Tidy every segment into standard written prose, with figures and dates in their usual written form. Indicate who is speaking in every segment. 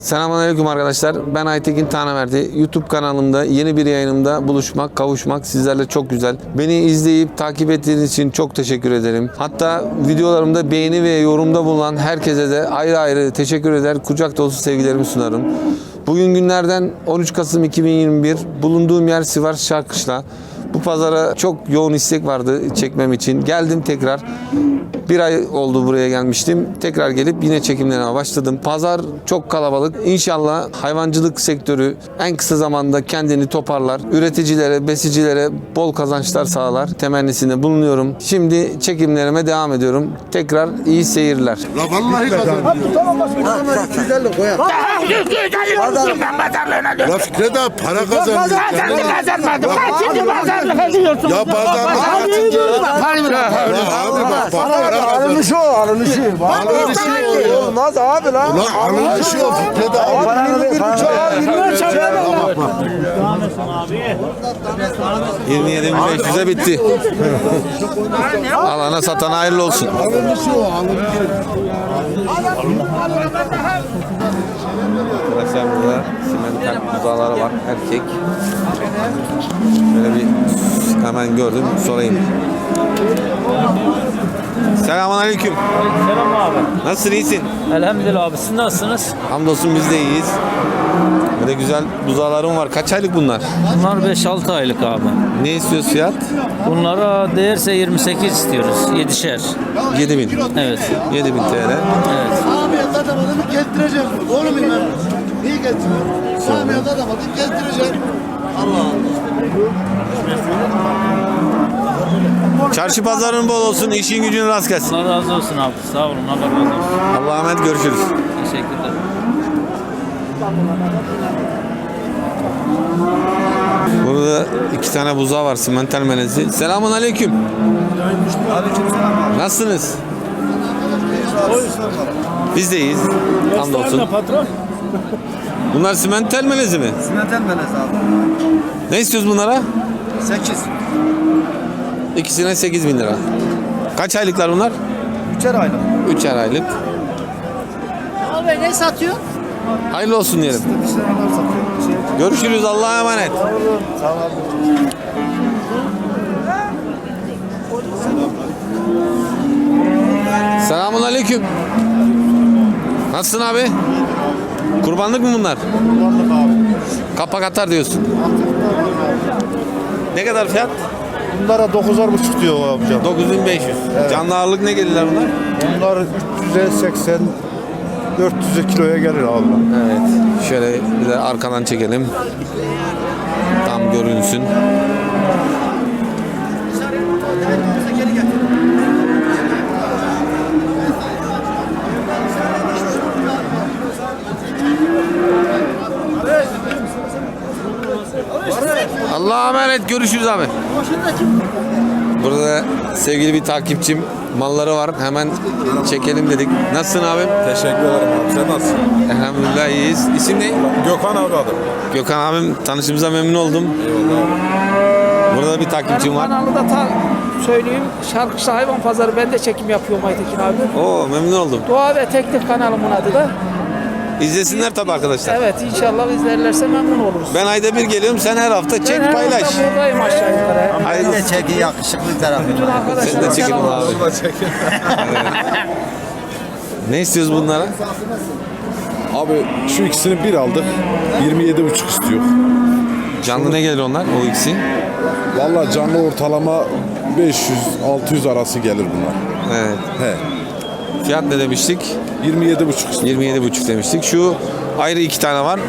Speaker 1: Selamünaleyküm arkadaşlar. Ben Aytekin Tanaverdi. YouTube kanalımda yeni bir yayınımda buluşmak, kavuşmak sizlerle çok güzel. Beni izleyip takip ettiğiniz için çok teşekkür ederim. Hatta videolarımda beğeni ve yorumda bulunan herkese de ayrı ayrı teşekkür eder. Kucak dolusu sevgilerimi sunarım. Bugün günlerden 13 Kasım 2021. Bulunduğum yer Sivas Şarkışla. Bu pazara çok yoğun istek vardı çekmem için. Geldim tekrar. Bir ay oldu buraya gelmiştim. Tekrar gelip yine çekimlerine başladım. Pazar çok kalabalık. İnşallah hayvancılık sektörü en kısa zamanda kendini toparlar. Üreticilere, besicilere bol kazançlar sağlar. Temennisinde bulunuyorum. Şimdi çekimlerime devam ediyorum. Tekrar iyi seyirler.
Speaker 2: La vallahi kazanıyor.
Speaker 3: Tamam başkanım. 250 koyar.
Speaker 4: Ben pazarlığına
Speaker 2: La Fikret abi para kazandı.
Speaker 4: Pazarlık kazanmadım. Ben şimdi pazarlık ediyorsun.
Speaker 2: Ya pazarlık abi bak para
Speaker 3: Alınışı o, alınışı.
Speaker 2: Alınışı o.
Speaker 3: Olmaz abi lan.
Speaker 2: Ulan alınışı o Fikret abi.
Speaker 3: Paranı bir buçuk al, 20 çarpı bak.
Speaker 1: 27.500'e bitti. Alana satana hayırlı olsun.
Speaker 2: Alınışı o alınışı.
Speaker 1: Arkadaşlar burada simental buzaları var. Erkek. Böyle bir hemen gördüm. Sorayım. Selamünaleyküm.
Speaker 5: Selam abi.
Speaker 1: Nasılsın? İyisin?
Speaker 5: Elhamdülillah abi. Siz nasılsınız?
Speaker 1: Hamdolsun biz de iyiyiz. Böyle güzel buzalarım var. Kaç aylık bunlar?
Speaker 5: Bunlar 5-6 aylık abi.
Speaker 1: Ne istiyoruz fiyat?
Speaker 5: Bunlara değerse 28 istiyoruz. 7'şer.
Speaker 1: 7.000.
Speaker 5: Evet.
Speaker 1: 7.000 TL.
Speaker 5: Evet.
Speaker 3: Samiye dadamadım gezdireceğim. Doğru muyum ben? Niye gezdiriyorum? Samiye dadamadım gezdireceğim. Allah
Speaker 1: Çarşı pazarın bol olsun. İşin gücün rast gelsin.
Speaker 5: Allah razı olsun abi. Sağ olun. Allah razı olsun.
Speaker 1: Allah'a emanet, görüşürüz.
Speaker 5: Teşekkürler.
Speaker 1: Burada iki tane buzağı var. Simental melezi. Selamun aleyküm. Nasılsınız? Biz de iyiyiz. Hamdolsun. Bunlar simental melezi mi?
Speaker 3: Simental melez abi.
Speaker 1: Ne istiyoruz bunlara?
Speaker 3: 8.
Speaker 1: İkisine 8.000 lira. Kaç aylıklar bunlar?
Speaker 3: 3'er aylık.
Speaker 1: 3'er aylık.
Speaker 4: Abi ne satıyor?
Speaker 1: Hayırlı olsun diyelim. Görüşürüz. Allah'a emanet.
Speaker 3: Sağ olun.
Speaker 1: Selamun aleyküm. Nasılsın abi? Kurbanlık mı bunlar?
Speaker 3: Kullandık abi.
Speaker 1: Kapak atar diyorsun. Ne kadar fiyat?
Speaker 3: Bunlara 9'ar buçuk diyor amcam.
Speaker 1: 9500. Canlı ağırlık ne gelirler bunlar?
Speaker 3: Bunlar 300'e 80 400'e kiloya gelir abi.
Speaker 1: Evet. Şöyle bir de arkadan çekelim. Tam görünsün. Allah'a emanet, görüşürüz abi. Burada sevgili bir takipçim malları var. Hemen çekelim dedik. Nasılsın abi?
Speaker 6: Teşekkür ederim abi. Sen nasılsın?
Speaker 1: Elhamdülillah iyiyiz. İsim ne?
Speaker 6: Gökhan abi adım.
Speaker 1: Gökhan abim, tanışımıza memnun oldum. Burada bir takipçim var.
Speaker 7: Kanalı da söyleyeyim. Şarkışlı Hayvan Pazarı, ben de çekim yapıyorum Aytekin abi.
Speaker 1: Oo, memnun oldum.
Speaker 7: Doğa ve Teknik kanalımın adı da.
Speaker 1: İzlesinler tabii arkadaşlar.
Speaker 7: Evet, inşallah izlerlerse memnun oluruz.
Speaker 1: Ben ayda bir geliyorum. Sen her hafta çek,
Speaker 7: Ben her
Speaker 1: paylaş.
Speaker 7: hafta buradayım aşağı yukarı.
Speaker 1: Hayırlı.
Speaker 3: çeki yakışıklı tarafı.
Speaker 7: Bütün
Speaker 1: Sen de
Speaker 7: arkadaşlarım
Speaker 1: çekin
Speaker 7: selam
Speaker 1: abi.
Speaker 7: olsun.
Speaker 1: Ne istiyoruz bunlara?
Speaker 6: Abi şu ikisini bir aldık. 27,5 istiyor.
Speaker 1: Canlı ne gelir onlar o ikisi?
Speaker 6: Vallahi canlı ortalama 500-600 arası gelir bunlar.
Speaker 1: Evet.
Speaker 6: He.
Speaker 1: Fiyat ne demiştik?
Speaker 6: 27,5 istiyor.
Speaker 1: 27,5 demiştik. Şu ayrı iki tane var.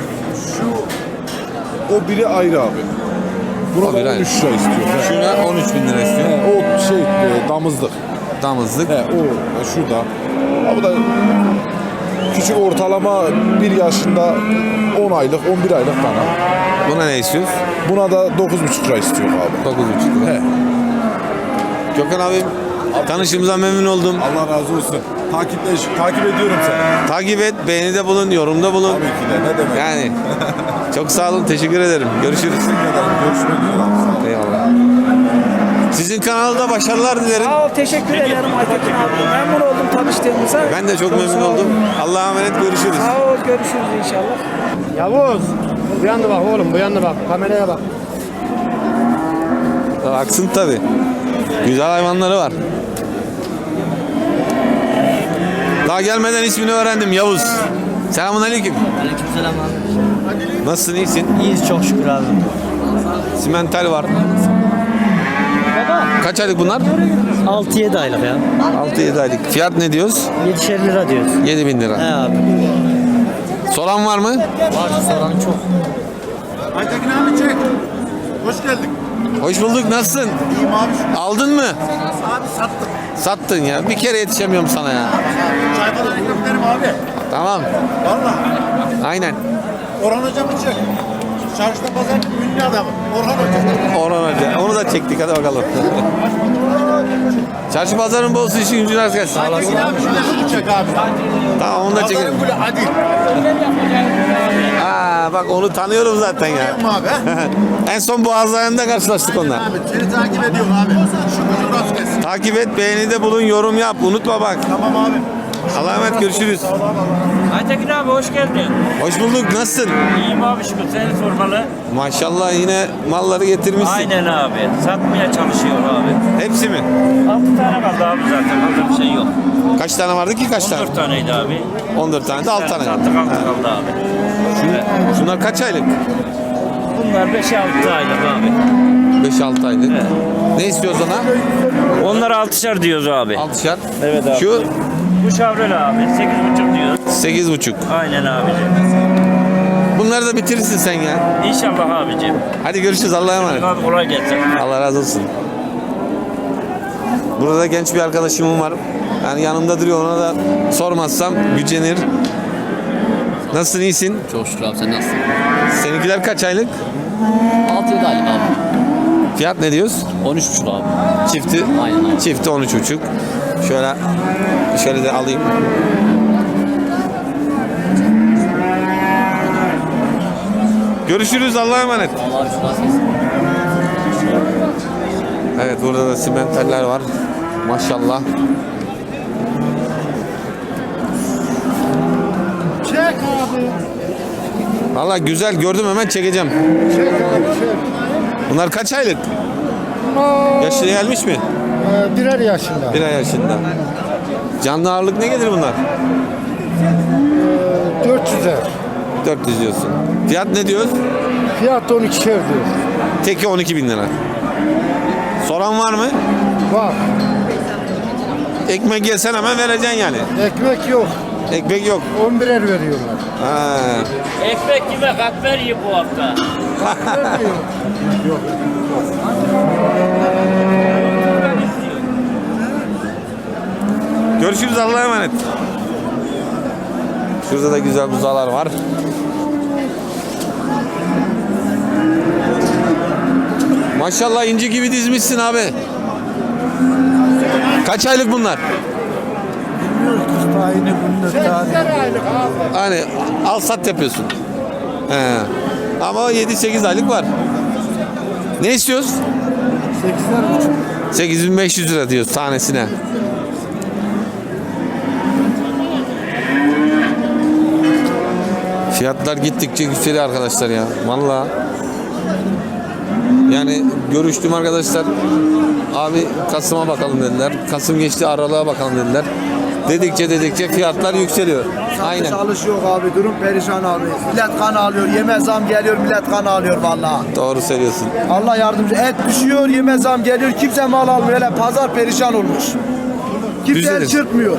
Speaker 6: O biri ayrı abi. Buna
Speaker 1: O biri
Speaker 6: da
Speaker 1: ayrı.
Speaker 6: 13 lira istiyor. He.
Speaker 1: Şuna 13.000 lira istiyor.
Speaker 6: He, o şey damızlık.
Speaker 1: Damızlık.
Speaker 6: He, o şurada. Ha, bu da küçük ortalama 1 yaşında 10 aylık 11 aylık dana.
Speaker 1: Buna ne istiyoruz?
Speaker 6: Buna da 9,5 lira istiyor abi.
Speaker 1: 9,5 lira.
Speaker 6: He.
Speaker 1: Gökhan abim, tanışımıza memnun oldum.
Speaker 6: Allah razı olsun. Takip ediyorum seni.
Speaker 1: Takip et, beğenide bulun, yorumda bulun.
Speaker 6: Tabii ki de. Ne demek?
Speaker 1: Yani çok sağ olun, teşekkür ederim. Görüşürüz.
Speaker 6: Görüşmek üzere.
Speaker 1: Eyvallah. Sizin kanalda başarılar dilerim.
Speaker 7: Sağ ol, teşekkür ederim Aytekin abi. Memnun oldum tanıştığımıza.
Speaker 1: Ben de çok memnun
Speaker 7: sağ ol.
Speaker 1: oldum. Allah'a emanet, görüşürüz.
Speaker 7: Sağ ol, görüşürüz inşallah.
Speaker 3: Yavuz. Bu yana bak oğlum, bu yana bak. Kameraya bak.
Speaker 1: Baksın tabi. Güzel hayvanları var. Daha gelmeden ismini öğrendim, Yavuz. Selamünaleyküm.
Speaker 5: Aleykümselam abi.
Speaker 1: Nasılsın, iyisin?
Speaker 5: İyiyiz çok şükür abi.
Speaker 1: Simental var. Kaç aylık bunlar?
Speaker 5: 6-7 aylık ya.
Speaker 1: 6-7 aylık. Fiyat ne diyoruz?
Speaker 5: 7'şer lira diyoruz.
Speaker 1: 7.000 lira.
Speaker 5: He abi.
Speaker 1: Soran var mı?
Speaker 5: Var soran çok.
Speaker 3: Aytekin abi çek. Hoş geldin.
Speaker 1: Hoş bulduk, nasılsın?
Speaker 3: İyiyim abi.
Speaker 1: Aldın mı?
Speaker 3: Abi sattım.
Speaker 1: Sattın ya. Bir kere yetişemiyorum sana ya.
Speaker 3: Çay falan ekmek derim abi.
Speaker 1: Tamam.
Speaker 3: Valla.
Speaker 1: Aynen.
Speaker 3: Orhan hocamı çek. Çarşıda pazar ünlü adamı. Orhan hoca.
Speaker 1: Orhan Hoca. Onu da çektik, hadi bakalım. Çarşı pazarın bolsu, işin gücün rast gelsin.
Speaker 3: Aytekin abi şunu çek abi.
Speaker 1: Tamam, onu da çekelim.
Speaker 3: Pazarın böyle adil.
Speaker 1: Aa, bak onu tanıyorum zaten ya.
Speaker 3: Yapma abi.
Speaker 1: En son Boğazları'nda karşılaştık onunla.
Speaker 3: Abi seni takip ediyorum abi. Şu gücün rast gelsin.
Speaker 1: Takip et, beğenide bulun, yorum yap. Unutma bak.
Speaker 3: Tamam abi.
Speaker 1: Allah'a emanet, görüşürüz.
Speaker 8: Aytekin abi hoş geldin.
Speaker 1: Hoş bulduk, nasılsın?
Speaker 8: İyiyim abi şükür seni sormalı.
Speaker 1: Maşallah yine malları getirmişsin.
Speaker 8: Aynen abi. Satmaya çalışıyor abi.
Speaker 1: Hepsi mi?
Speaker 8: 6 tane kaldı abi zaten. Fazla bir şey yok.
Speaker 1: Kaç tane vardı ki, kaç tane?
Speaker 8: 14 taneydi abi.
Speaker 1: 14 tane de 6 tane.
Speaker 8: Sattık 6 kaldı abi. Evet.
Speaker 1: Şunlar kaç aylık?
Speaker 8: Bunlar 5-6 aylık abi.
Speaker 1: 5-6 aylık.
Speaker 8: Evet.
Speaker 1: Ne istiyoruz ona?
Speaker 8: Onlar 6'şar diyoruz abi.
Speaker 1: 6'şar.
Speaker 8: Evet abi.
Speaker 1: Şu
Speaker 8: Bu şavrel abi 8,5 diyoruz.
Speaker 1: 8,5.
Speaker 8: Aynen abicim.
Speaker 1: Bunları da bitirirsin sen ya.
Speaker 8: İnşallah abicim.
Speaker 1: Hadi görüşürüz, Allah'a emanet.
Speaker 8: Abi kolay gelsin.
Speaker 1: Allah razı olsun. Burada genç bir arkadaşımım var. Yani yanımda duruyor, ona da sormazsam gücenir. Nasılsın, iyisin?
Speaker 9: Çok şükür abi, sen nasılsın?
Speaker 1: Seninkiler kaç aylık?
Speaker 9: 6-7 aylık abi.
Speaker 1: Fiyat ne diyoruz?
Speaker 9: 13,5 abi.
Speaker 1: Çifti.
Speaker 9: Aynen abi.
Speaker 1: Çifti 13,5. Şöyle de alayım. Görüşürüz, Allah'a emanet.
Speaker 9: Allah şükür nasılsın?
Speaker 1: Evet, burada da simentaller var. Maşallah.
Speaker 3: Çek abi.
Speaker 1: Valla güzel, gördüm, hemen çekeceğim.
Speaker 3: Çek abi çek.
Speaker 1: Bunlar kaç aylık? Yaşlı gelmiş mi?
Speaker 3: Birer yaşında.
Speaker 1: 1 ay yaşında. Canlı ağırlık ne gelir bunlar?
Speaker 3: 400'er.
Speaker 1: 400 diyorsun. Fiyat ne diyoruz?
Speaker 3: Fiyat 12'şer diyor.
Speaker 1: Teki 12.000 lira. Soran var mı?
Speaker 3: Bak
Speaker 1: Ekmek yesen hemen vereceksin yani.
Speaker 3: ekmek yok.
Speaker 1: Ekmek yok.
Speaker 3: 11'er veriyorlar.
Speaker 1: Ha.
Speaker 8: Ekmek kime katmer yiyip bu hafta.
Speaker 1: Görüşürüz, Allah'a emanet. Şurada da güzel buzalar var. Maşallah inci gibi dizmişsin abi. Kaç aylık bunlar? Hani al sat yapıyorsun. He. Ama 7-8 aylık var. Ne istiyoruz? 8.500 lira diyoruz tanesine. Fiyatlar gittikçe yükseliyor arkadaşlar ya. Vallahi. Yani görüştüm arkadaşlar. Abi Kasım'a bakalım dediler. Kasım geçti, Aralık'a bakalım dediler. Dedikçe fiyatlar yükseliyor. Aynen.
Speaker 2: Çalış yok abi, durum perişan abi. Millet kan alıyor, yeme zam geliyor, millet kan alıyor vallahi.
Speaker 1: Doğru söylüyorsun.
Speaker 2: Allah yardımcı. Et düşüyor, yeme zam geliyor, kimse mal almıyor. Hele pazar perişan olmuş. Kimse
Speaker 1: Düzelir.
Speaker 2: el çırpmıyor.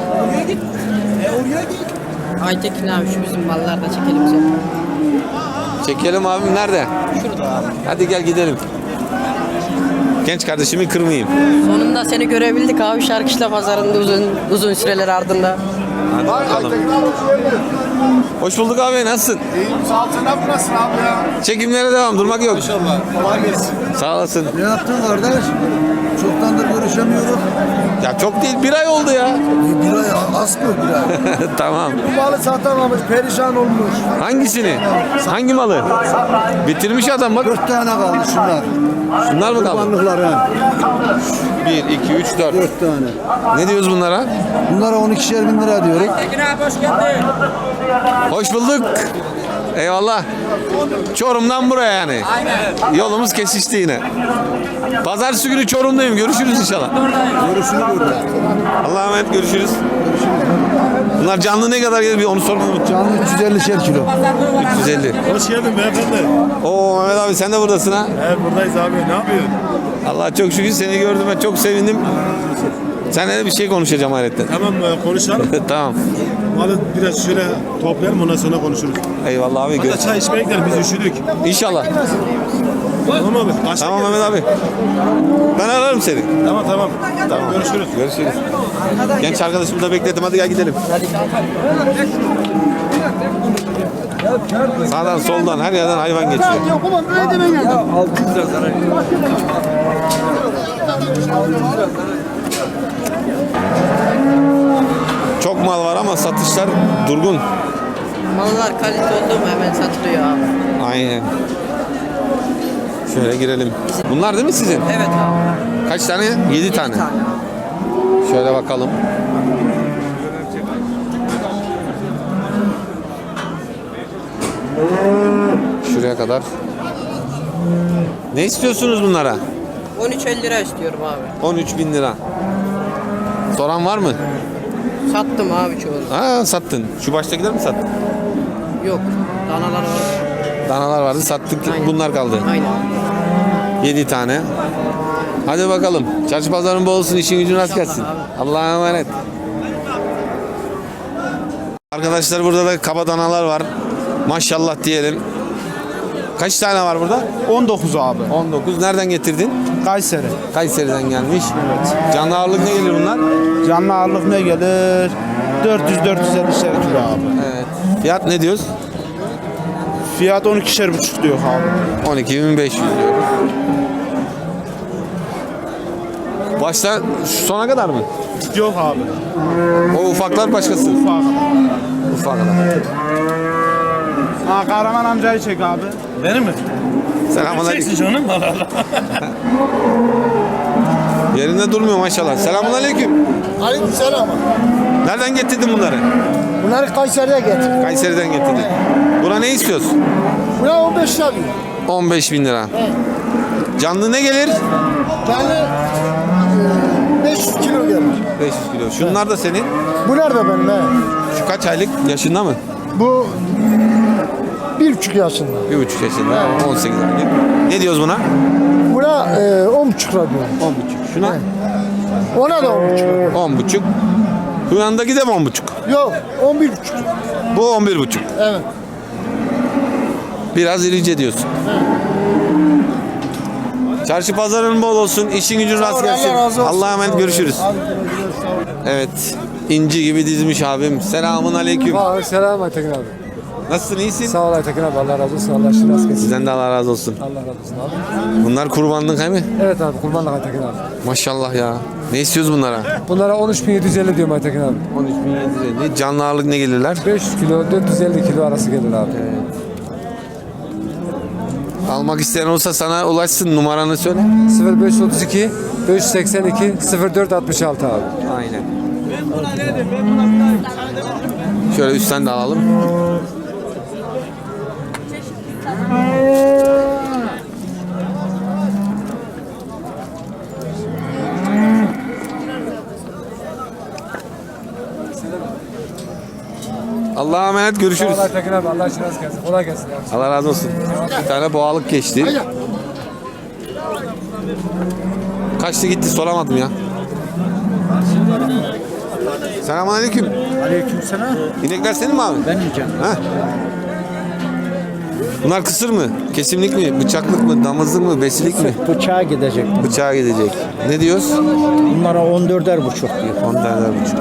Speaker 10: Aytekin abi şu bizim mallar da çekelim bize.
Speaker 1: Çekelim abim, nerede?
Speaker 10: Şurada abi.
Speaker 1: Hadi gel gidelim. Genç kardeşimi kırmayayım.
Speaker 10: Sonunda seni görebildik abi Şarkışla pazarında uzun süreler ardında.
Speaker 1: Hadi bakalım. Hoş bulduk abi, nasılsın?
Speaker 3: Saltına burası abi ya.
Speaker 1: Çekimlere devam, durmak yok.
Speaker 3: İnşallah. Kolay gelsin.
Speaker 1: Sağ olasın.
Speaker 2: Ne yaptın kardeş?
Speaker 3: Çoktandır görüşemiyoruz.
Speaker 1: Ya çok değil, bir ay oldu ya.
Speaker 3: Bir ay az mı bir ay?
Speaker 1: Tamam.
Speaker 2: Bu malı satamamış, perişan olmuş.
Speaker 1: Hangisini? Hangi malı? Bitirmiş adam bak.
Speaker 3: 4 tane kaldı şunlar.
Speaker 1: Şunlar mı kaldı?
Speaker 3: Kurbanlıklar ha.
Speaker 1: 1, 2, 3, 4.
Speaker 3: 4 tane.
Speaker 1: Ne diyoruz bunlara?
Speaker 3: Bunlara 12'şer bin lira diyoruz.
Speaker 1: Hoş bulduk. Eyvallah. Çorum'dan buraya yani. Yolumuz kesişti yine. Pazartesi günü Çorum'dayım. Görüşürüz inşallah.
Speaker 3: Görüşürüz burada.
Speaker 1: Allah'a emanet, görüşürüz. Bunlar canlı ne kadar gelir bir onu sormayı unuttum.
Speaker 3: Canlı 350'şer kilo.
Speaker 1: 350.
Speaker 6: Hoş geldin beyefendi.
Speaker 1: Oo Mehmet abi sen de buradasın ha.
Speaker 6: Evet buradayız abi. Ne yapıyorsun?
Speaker 1: Allah çok şükür seni gördüğüme çok sevindim. Seninle de bir şey konuşacağım hayretle.
Speaker 6: Tamam konuşalım.
Speaker 1: Tamam.
Speaker 6: Malı biraz şöyle toplayalım ondan sonra konuşuruz.
Speaker 1: Eyvallah abi.
Speaker 6: Hatta çay içmeye gidelim biz üşüdük.
Speaker 1: İnşallah.
Speaker 6: Tamam abi. Kaçta
Speaker 1: Tamam
Speaker 6: geliriz?
Speaker 1: Mehmet abi. Ben ararım seni.
Speaker 6: Tamam. Tamam. Görüşürüz.
Speaker 1: Görüşürüz. Genç arkadaşımı da bekledim. Hadi gel gidelim. Sağdan soldan her yerden hayvan geçiyor. Çok mal var ama satışlar durgun.
Speaker 10: Mallar kalite oldu mu hemen satılıyor abi.
Speaker 1: Aynen. Şöyle girelim. Bunlar değil mi sizin?
Speaker 10: Evet abi.
Speaker 1: Kaç tane? 7 tane. Şöyle bakalım. Şuraya kadar. Ne istiyorsunuz bunlara?
Speaker 10: 13.50 lira istiyorum abi.
Speaker 1: 13.000 lira. Soran var mı?
Speaker 10: Sattım abi çoğunu.
Speaker 1: Ha sattın. Şu baştakiler mi sattın?
Speaker 10: Yok. Danalar var.
Speaker 1: Danalar vardı sattık.
Speaker 10: Aynen.
Speaker 1: Bunlar kaldı.
Speaker 10: Aynen.
Speaker 1: 7 tane. Hadi bakalım. Çarşı pazarın bol olsun. İşin gücün rast gelsin. Allah'a emanet. Arkadaşlar burada da kaba danalar var. Maşallah diyelim. Kaç tane var burada?
Speaker 2: 19 abi.
Speaker 1: 19. Nereden getirdin?
Speaker 2: Kayseri.
Speaker 1: Kayseri'den gelmiş. Canlı ağırlık ne gelir bunlar?
Speaker 2: Canlı ağırlık ne gelir? 400-450'şer kilo abi.
Speaker 1: Evet. Fiyat ne diyoruz?
Speaker 2: Fiyat 12'şer buçuk diyor abi.
Speaker 1: 12.500 diyoruz. Başta şu sona kadar mı?
Speaker 2: Yok abi.
Speaker 1: O ufaklar başkası. Ufaklar.
Speaker 2: Ha Kahraman amcayı çek abi.
Speaker 6: Benim mi?
Speaker 1: Selamünaleyküm.
Speaker 6: canım Allah.
Speaker 1: Yerinde durmuyor maşallah. Selamünaleyküm.
Speaker 3: Aleykümselam.
Speaker 1: Nereden getirdin bunları?
Speaker 3: Bunları Kayseri'ye getir.
Speaker 1: Kayseri'den getirdin. Buna ne istiyorsun?
Speaker 3: Buna 15 lira diyor.
Speaker 1: 15.000 lira. Canlı ne gelir?
Speaker 3: Yani 500 kilo gelir.
Speaker 1: 500 kilo. Şunlar da senin.
Speaker 3: Bu nerede benim he?
Speaker 1: Şu kaç aylık? Yaşında mı?
Speaker 3: Bu 1,5 yaşında.
Speaker 1: 1,5 yaşında. 18 aylık. Ne diyoruz buna?
Speaker 3: Buna 10,5 lira diyor.
Speaker 1: 10,5. Şuna?
Speaker 3: Ona da 10,5 lira.
Speaker 1: 10,5. Bu yanındaki de mi 10,5?
Speaker 3: Yok 11,5.
Speaker 1: Bu 11,5.
Speaker 3: Evet.
Speaker 1: Biraz irice diyorsun. Çarşı pazarın bol olsun. İşin gücün rast gelsin.
Speaker 3: Allah razı olsun.
Speaker 1: Allah'a emanet, görüşürüz. Evet. İnci gibi dizmiş abim. Selamun aleyküm.
Speaker 2: Selam Aytekin abi.
Speaker 1: Nasılsın, iyisin?
Speaker 2: Sağ ol Aytekin abi. Allah razı olsun. Allah aşkına rast gelsin.
Speaker 1: Sizden de Allah razı olsun.
Speaker 2: Allah razı olsun abi.
Speaker 1: Bunlar kurbanlık he mi?
Speaker 2: Evet abi kurbanlık Aytekin abi.
Speaker 1: Maşallah ya. Ne istiyoruz bunlara?
Speaker 2: Bunlara 13.750 diyorum Aytekin abi.
Speaker 1: 13.750. Canlı ağırlık ne gelirler?
Speaker 2: 500 kilo 450 kilo arası gelir abi.
Speaker 1: Almak isteyen olsa sana ulaşsın. Numaranı söyle.
Speaker 2: 0532 582 0466 abi.
Speaker 1: Aynen. Şöyle üstten de alalım. Allah'a emanet, görüşürüz.
Speaker 2: Allah Tekin abi Allah aşkına rast gelsin. Kolay gelsin abi.
Speaker 1: Allah razı olsun. Bir tane boğalık geçti. Kaçtı gitti soramadım ya. Selamünaleyküm.
Speaker 2: Aleykümselam.
Speaker 1: İnekler senin mi abi?
Speaker 2: Ben yiyeceğim.
Speaker 1: Ha? Bunlar kısır mı? Kesimlik mi? Bıçaklık mı? Damızlık mı? Besilik mi?
Speaker 2: Bıçağa gidecek.
Speaker 1: Bıçağa gidecek. Ne diyoruz?
Speaker 2: Bunlara 14'er buçuk diyor.
Speaker 1: 10 tane buçuk.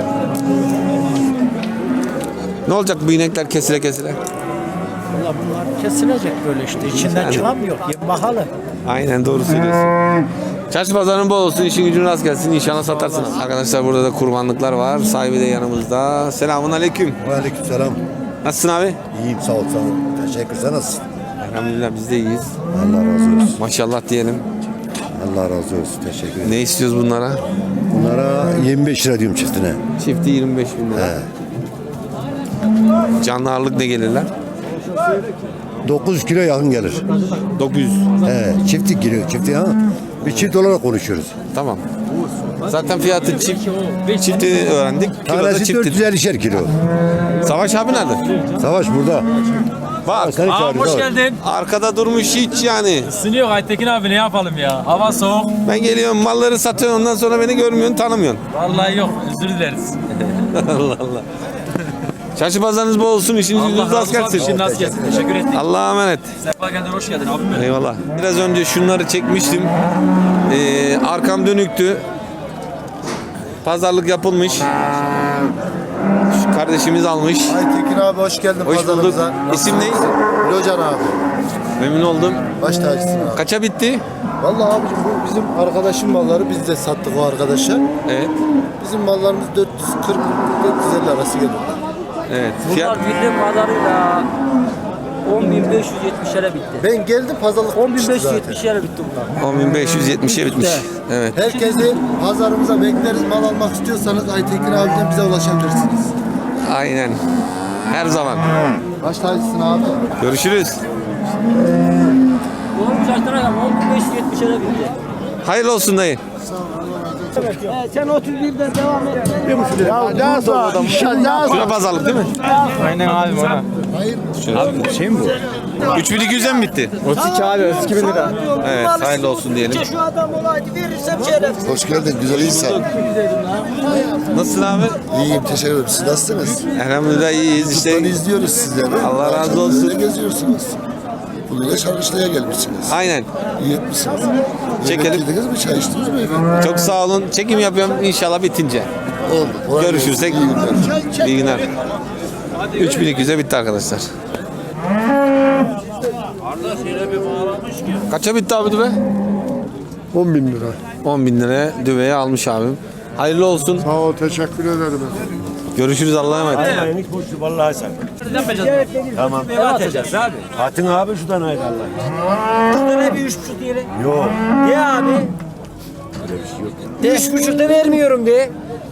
Speaker 1: Ne olacak bu inekler kesile kesile?
Speaker 2: Valla bunlar kesilecek böyle işte. İçinden
Speaker 1: Yani.
Speaker 2: çıkamıyor. Pahalı.
Speaker 1: Aynen doğru söylüyorsun. Çarşı pazarın bol olsun, işin gücün rast gelsin. İnşallah satarsın. Arkadaşlar burada da kurbanlıklar var. Sahibi de yanımızda. Selamun aleyküm.
Speaker 3: Aleykümselam.
Speaker 1: Nasılsın abi?
Speaker 3: İyiyim sağ ol sağ ol. Teşekkür sen nasılsın?
Speaker 1: Elhamdülillah biz de iyiyiz.
Speaker 3: Allah razı olsun.
Speaker 1: Maşallah diyelim.
Speaker 3: Allah razı olsun. Teşekkür ederim.
Speaker 1: Ne istiyoruz bunlara?
Speaker 3: Bunlara 25 lira diyorum çiftine.
Speaker 1: Çifti 25 bin lira.
Speaker 3: He.
Speaker 1: Canlı ağırlık ne gelirler?
Speaker 3: 9 kilo yakın gelir.
Speaker 1: 900.
Speaker 3: He, çiftlik giriyor. Çiftlik ha. Bir çift olarak konuşuyoruz.
Speaker 1: Tamam. Zaten fiyatı çifti öğrendik. Kiloda
Speaker 3: Tanesi
Speaker 1: çifti.
Speaker 3: 450'şer kilo.
Speaker 1: Savaş abi nerede?
Speaker 3: Savaş burada.
Speaker 1: Bak.
Speaker 3: Seni çağırıyor.
Speaker 5: Hoş geldin.
Speaker 1: Arkada durmuş hiç yani.
Speaker 5: Isınıyor Aytekin abi ne yapalım ya? Hava soğuk.
Speaker 1: Ben geliyorum malları satıyorum ondan sonra beni görmüyorsun tanımıyorsun.
Speaker 5: Vallahi yok özür dileriz.
Speaker 1: Allah Allah. Çarşı pazarınız bol olsun, işiniz gücünüz rast gelsin.
Speaker 5: İşin nasıl gelsin? Teşekkür ettik.
Speaker 1: Allah'a emanet.
Speaker 5: Sefa geldin hoş geldin abim benim.
Speaker 1: Eyvallah. Biraz önce şunları çekmiştim. Arkam dönüktü. Pazarlık yapılmış. Şu kardeşimiz almış.
Speaker 3: Aytekin abi hoş geldin
Speaker 1: Hoş bulduk.
Speaker 3: pazarımıza.
Speaker 1: İsim ne?
Speaker 3: Locan abi.
Speaker 1: Memnun oldum.
Speaker 3: Baş tacısın abi.
Speaker 1: Kaça bitti?
Speaker 3: Vallahi abicim bu bizim arkadaşın malları. Biz de sattık o arkadaşa.
Speaker 1: Evet.
Speaker 3: Bizim mallarımız 440-450 arası geliyor.
Speaker 1: Evet. Fiyat
Speaker 5: bildiğim kadarıyla 10.570'lere bitti.
Speaker 3: Ben geldim pazarlık bitmişti zaten.
Speaker 5: 10.570'lere bitti bunlar.
Speaker 1: 10.570'e bitmiş. Evet.
Speaker 3: Herkesi pazarımıza bekleriz. Mal almak istiyorsanız Aytekin abiden bize ulaşabilirsiniz.
Speaker 1: Aynen. Her zaman.
Speaker 3: Baş tacısın abi.
Speaker 1: Görüşürüz.
Speaker 5: Doğru şartlara kadar 10.570'lere bitti.
Speaker 1: Hayırlı olsun dayı.
Speaker 4: Sen 31'den devam et.
Speaker 3: Ya ne
Speaker 1: Şuna pazarlık değil mi?
Speaker 5: Aynen abi bana.
Speaker 1: Abi şey mi bu? 3200'den mi bitti?
Speaker 7: 32 abi 32 bin lira.
Speaker 1: Evet, hayırlı olsun diyelim.
Speaker 4: Şu adam olaydı verirsem şerefsiz.
Speaker 3: Hoş geldin güzel insan.
Speaker 1: Nasılsın abi?
Speaker 3: İyiyim teşekkür ederim. Siz nasılsınız?
Speaker 1: Elhamdülillah iyiyiz işte.
Speaker 3: Buradan izliyoruz sizleri.
Speaker 1: Allah razı olsun.
Speaker 3: Ne geziyorsunuz? Bugün de Şarkışla'ya gelmişsiniz.
Speaker 1: Aynen.
Speaker 3: İyi etmişsiniz.
Speaker 1: Çekelim.
Speaker 3: Yemek yediniz mi? Çay içtiniz mi efendim?
Speaker 1: Çok sağ olun. Çekim yapıyorum inşallah bitince.
Speaker 3: Oldu. Kolay
Speaker 1: Görüşürsek
Speaker 3: gelsin. İyi günler.
Speaker 1: iyi günler. 3200'e bitti arkadaşlar. Kaça bitti abi düve?
Speaker 3: 10 bin lira.
Speaker 1: 10 bin liraya düveyi almış abim. Hayırlı olsun.
Speaker 3: Sağ ol teşekkür ederim.
Speaker 1: Görüşürüz Allah'a emanet.
Speaker 11: Hiç boşu vallahi sen. Tamam.
Speaker 5: Ne atacağız abi?
Speaker 11: Atın abi şuradan haydi Allah.
Speaker 5: Şurada ne bir 3.5 diyelim.
Speaker 11: Yok.
Speaker 5: De abi. De 3.5'da vermiyorum de.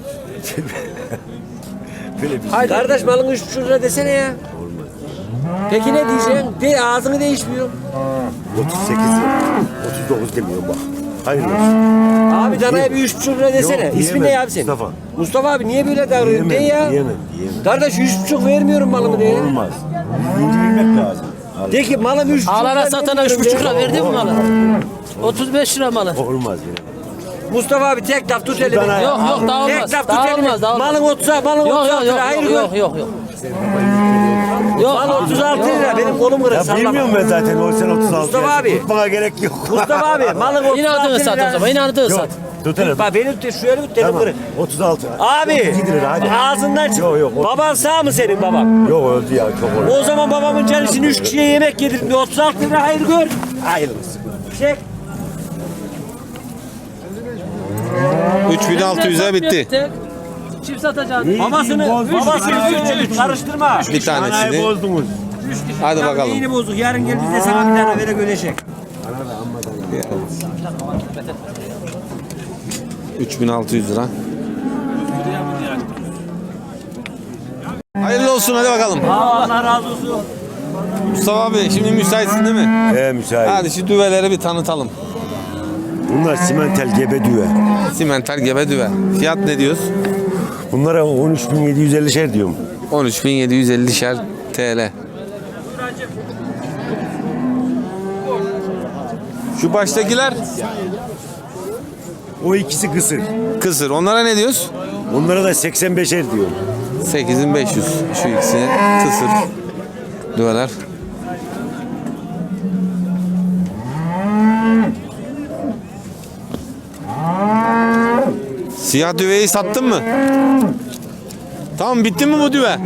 Speaker 5: Hayır kardeş malın 3.5 lira desene ya. Peki ne diyeceksin? De ağzını değişmiyor.
Speaker 11: 38 yok. 39 demiyorum bak. Hayırlı olsun.
Speaker 5: Abi danaya bir 3.5 lira desene.
Speaker 11: Yok,
Speaker 5: İsmin
Speaker 11: diyemem.
Speaker 5: ne abi senin?
Speaker 11: Mustafa.
Speaker 5: Mustafa abi niye böyle davranıyorsun? De ya.
Speaker 11: Diyemem.
Speaker 5: Kardeş 3.5 vermiyorum malımı de.
Speaker 11: Olmaz. Birinci bilmek lazım.
Speaker 5: De ki malım 3.5 lira.
Speaker 10: Ağlara satana 3,5 lira verdi mi malı? 35 lira malı.
Speaker 11: Olmaz ya.
Speaker 5: Mustafa abi tek laf tut elini.
Speaker 11: Dana-
Speaker 10: Yok yok daha olmaz.
Speaker 5: Tek laf tut
Speaker 10: Daha
Speaker 5: elini.
Speaker 10: olmaz daha olmaz.
Speaker 5: Malın 30'a malın
Speaker 10: Yok
Speaker 5: 36
Speaker 10: yok
Speaker 5: lira. Hayır
Speaker 10: yok
Speaker 5: gör.
Speaker 10: yok yok yok. Yok.
Speaker 5: Mal 36 lira. Benim kolum kırık.
Speaker 11: Ya
Speaker 5: Sallama.
Speaker 11: bilmiyorum ben zaten o sen 36.
Speaker 5: Mustafa
Speaker 11: ya.
Speaker 5: abi.
Speaker 11: Tutmana gerek yok.
Speaker 5: Mustafa abi malın 36
Speaker 10: Yine adını
Speaker 5: lira.
Speaker 10: sat o zaman. Yine adını
Speaker 11: Yok.
Speaker 10: sat.
Speaker 11: Tut hele.
Speaker 5: Bak benim şu elimi tut
Speaker 11: Tamam.
Speaker 5: kırık.
Speaker 11: 36.
Speaker 5: Abi
Speaker 11: 32 lira hadi.
Speaker 5: ağzından çık.
Speaker 11: Yok, yok.
Speaker 5: Baban sağ mı senin baban?
Speaker 11: Yok öldü ya çok oldu.
Speaker 5: O zaman babamın canısını 3 kişiye yemek yedirdim. 36 lira hayır gör.
Speaker 11: Hayırlısı.
Speaker 5: Çek.
Speaker 1: 3600'e bitti.
Speaker 10: Çift satacağız.
Speaker 5: Babasını 3 karıştırma.
Speaker 1: Bir
Speaker 11: Anayı
Speaker 1: tanesini.
Speaker 11: bozdunuz.
Speaker 1: Hadi bakalım.
Speaker 5: Yeni bozuk. Yarın gel biz de sana bir tane vere gölecek.
Speaker 1: 3600 lira. Hayırlı olsun hadi bakalım.
Speaker 5: Allah razı olsun.
Speaker 1: Mustafa abi şimdi müsaitsin değil mi?
Speaker 11: Müsait.
Speaker 1: Hadi şu düveleri bir tanıtalım.
Speaker 11: Bunlar simentel gebe düve.
Speaker 1: Simental gebe düve. Fiyat ne diyoruz?
Speaker 11: Bunlara 13.750'şer diyorum.
Speaker 1: 13.750'şer TL. Şu baştakiler
Speaker 11: O ikisi kısır.
Speaker 1: kısır. Onlara ne diyoruz?
Speaker 11: Onlara da 85'er diyorum.
Speaker 1: 8500 şu ikisi kısır düveler. Siyah düveyi sattın mı? Tamam bitti mi bu düve?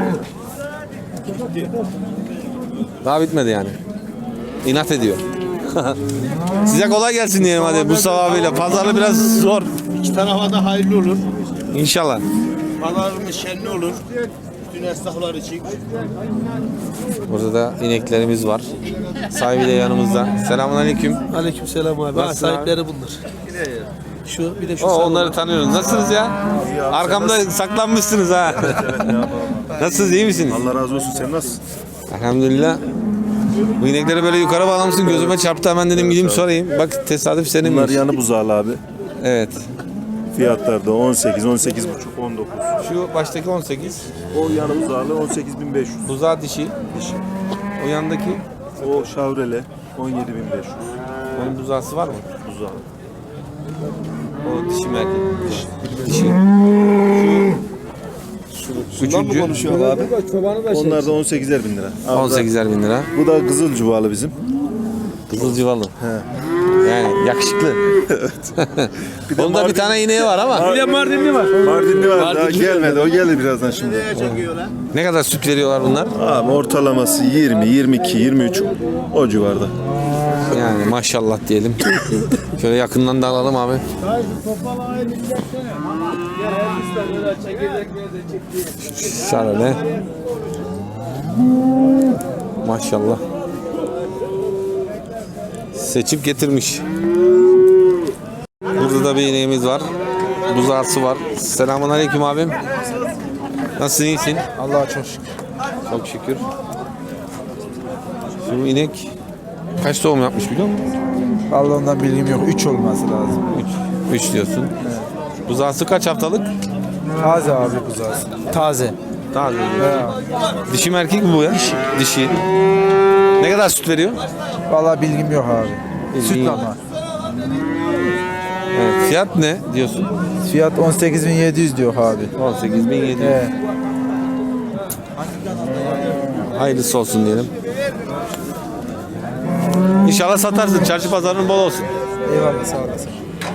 Speaker 1: Daha bitmedi yani. İnat ediyor. Size kolay gelsin diyelim hadi Mustafa abiyle. Pazarı biraz zor.
Speaker 3: İki tarafa da hayırlı olur.
Speaker 1: İnşallah.
Speaker 3: Pazarımız şenli olur. Bütün esnaflar için.
Speaker 1: Burada da ineklerimiz var. Sahibi de yanımızda. Selamünaleyküm.
Speaker 2: Aleykümselam abi.
Speaker 1: Nasılsın
Speaker 2: Sahipleri bunlar. Şu bir de şu
Speaker 1: Onları tanıyoruz. Nasılsınız ya? Arkamda saklanmışsınız ha. Nasılsınız, iyi misiniz?
Speaker 6: Allah razı olsun. Sen nasılsın?
Speaker 1: Elhamdülillah. Bu inekleri böyle yukarı bağlamışsın, gözüme çarptı, hemen dedim gideyim sorayım. Bak tesadüf seninmiş.
Speaker 6: Bunlar yanı buzağlı abi.
Speaker 1: Evet.
Speaker 6: Fiyatlar da 18, 18,5, 19.
Speaker 1: Şu baştaki 18.
Speaker 6: O yanı buzağlı 18.500.
Speaker 1: Buzağı dişi.
Speaker 6: Dişi.
Speaker 1: O yandaki
Speaker 6: O şavrele 17.500.
Speaker 1: onun buzağısı var mı?
Speaker 6: Buzağı.
Speaker 1: O dişi mi erkek? Dişi. Şu üçüncü.
Speaker 2: konuşuyor abi.
Speaker 6: Onlar da 18'er bin lira. Abi
Speaker 1: 18'er bin lira.
Speaker 6: Bu da kızıl cuvalı bizim.
Speaker 1: Kızılcıvalı. Yani yakışıklı. Onda bir tane ineği var ama.
Speaker 6: Bir de Mardinli var. Mardinli var. Daha gelmedi. O gelir birazdan şimdi.
Speaker 1: Ne kadar süt veriyorlar bunlar?
Speaker 6: Abi ortalaması 20, 22, 23 o civarda.
Speaker 1: Yani maşallah diyelim. Şöyle yakından da alalım abi. Şöyle. Maşallah. Seçip getirmiş. Burada da bir ineğimiz var. Buzağısı var. Selamünaleyküm abim. Nasılsın, iyisin?
Speaker 2: Allah'a çok şükür.
Speaker 1: Çok şükür. Şu inek kaç doğum yapmış biliyor musun?
Speaker 2: Vallahi ondan bilgim yok. 3 olması lazım.
Speaker 1: 3 diyorsun. Buzağısı kaç haftalık?
Speaker 2: Taze abi buzağısı. Taze.
Speaker 1: Taze. Dişi mi erkek mi bu ya? Dişi. Ne kadar süt veriyor?
Speaker 2: Vallahi bilgim yok abi. Süt ama.
Speaker 1: Evet. Fiyat ne diyorsun?
Speaker 2: Fiyat 18.700 diyor abi.
Speaker 1: 18.700.
Speaker 2: Evet.
Speaker 1: Hayırlısı olsun diyelim. İnşallah satarsın. Çarşı pazarın bol olsun.
Speaker 2: Eyvallah, sağ olasın.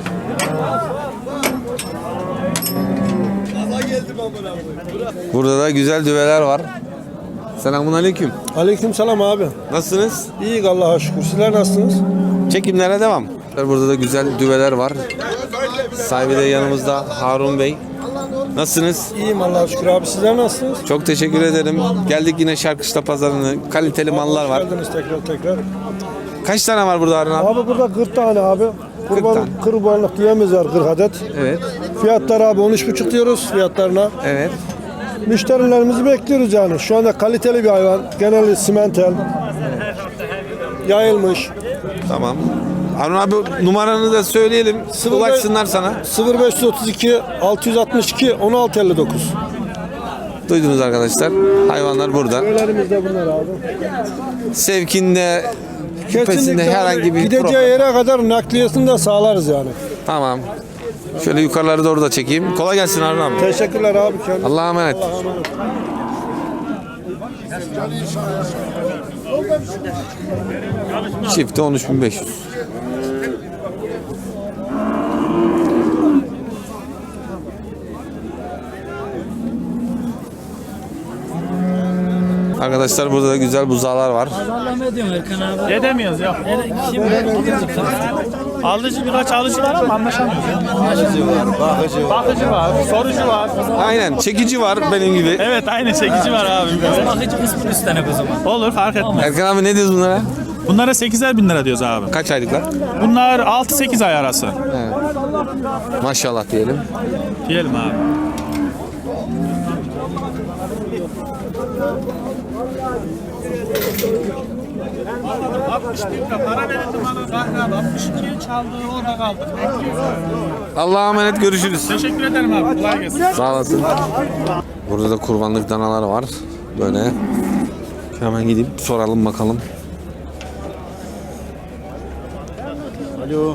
Speaker 1: Burada da güzel düveler var. Selamünaleyküm.
Speaker 2: Aleykümselam abi.
Speaker 1: Nasılsınız?
Speaker 2: İyi Allah'a şükür. Sizler nasılsınız?
Speaker 1: Çekimlere devam. Burada da güzel düveler var. Sahibi de yanımızda Harun Bey. Nasılsınız?
Speaker 2: İyiyim Allah'a şükür abi. Sizler nasılsınız?
Speaker 1: Çok teşekkür ederim. Geldik yine Şarkışla pazarına. Kaliteli mallar var.
Speaker 2: Geldiniz tekrar.
Speaker 1: Kaç tane var burada Harun abi?
Speaker 2: Abi burada 40 tane abi.
Speaker 1: tane.
Speaker 2: Kurbanlık diyemiz var 40 adet.
Speaker 1: Evet.
Speaker 2: Fiyatlar abi 13,5 diyoruz fiyatlarına.
Speaker 1: Evet.
Speaker 2: Müşterilerimizi bekliyoruz yani. Şu anda kaliteli bir hayvan. Genelde simentel. Yayılmış.
Speaker 1: Tamam. Harun abi numaranı da söyleyelim. Ulaşsınlar sana.
Speaker 2: 0532 662 1659.
Speaker 1: Duydunuz arkadaşlar. Hayvanlar burada.
Speaker 2: Köylerimizde bunlar abi.
Speaker 1: Sevkinde, küpesinde herhangi bir
Speaker 2: gideceği
Speaker 1: problem.
Speaker 2: yere kadar nakliyesini de sağlarız yani.
Speaker 1: Tamam. Şöyle yukarıları doğru da çekeyim. Kolay gelsin Harun abi.
Speaker 2: Teşekkürler abi.
Speaker 1: Allah'a emanet. Çifti 13.500. Arkadaşlar burada da güzel buzağlar var.
Speaker 8: Ne demiyoruz ya? Alıcı birkaç alıcı var ama anlaşamıyoruz. Bakıcı var, sorucu var.
Speaker 1: Aynen, çekici var benim gibi.
Speaker 8: Evet aynı çekici var abi.
Speaker 9: Bakıcı kısmını üstlenek o zaman.
Speaker 8: Olur fark etmez.
Speaker 1: Erkan abi ne diyoruz bunlara?
Speaker 8: Bunlara 8'er bin lira diyoruz abi.
Speaker 1: Kaç aylıklar?
Speaker 8: Bunlar 6-8 ay arası.
Speaker 1: Maşallah diyelim.
Speaker 8: Diyelim abi. Para verildi bana 62 çaldı orada kaldı.
Speaker 1: Allah'a emanet, görüşürüz.
Speaker 8: Teşekkür ederim abi. Kolay gelsin.
Speaker 1: Sağ olasın. Burada da kurbanlık danalar var. Böyle. Hemen gidip soralım bakalım.
Speaker 3: Alo.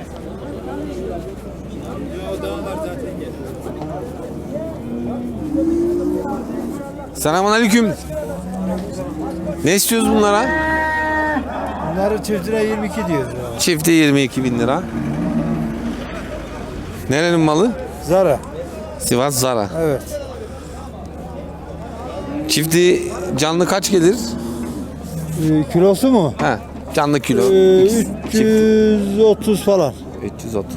Speaker 1: Selamünaleyküm. Ne istiyoruz bunlara?
Speaker 2: Bunları çiftine 22 diyoruz ya.
Speaker 1: Çifti 22.000 lira. Nerenin malı?
Speaker 2: Zara.
Speaker 1: Sivas Zara.
Speaker 2: Evet.
Speaker 1: Çifti canlı kaç gelir?
Speaker 2: Kilosu mu?
Speaker 1: He. Canlı kilo.
Speaker 3: 330 falan.
Speaker 1: 330.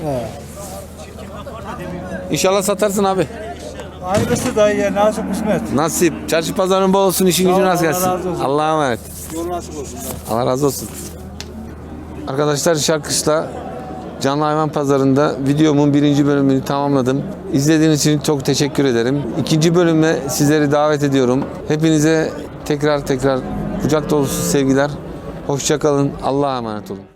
Speaker 1: İnşallah satarsın abi.
Speaker 3: Hayırlısı dayı ya, nasip kısmet.
Speaker 1: Nasip. Çarşı pazarın bol olsun, işin gücün rast gelsin.
Speaker 3: Allah razı olsun.
Speaker 1: Allah'a emanet.
Speaker 3: Yol nasip olsun.
Speaker 1: Allah razı olsun. Arkadaşlar Şarkışla Canlı Hayvan Pazarı'nda videomun 1. bölümünü tamamladım. İzlediğiniz için çok teşekkür ederim. 2. bölüme sizleri davet ediyorum. Hepinize tekrar kucak dolusu sevgiler. Hoşça kalın. Allah'a emanet olun.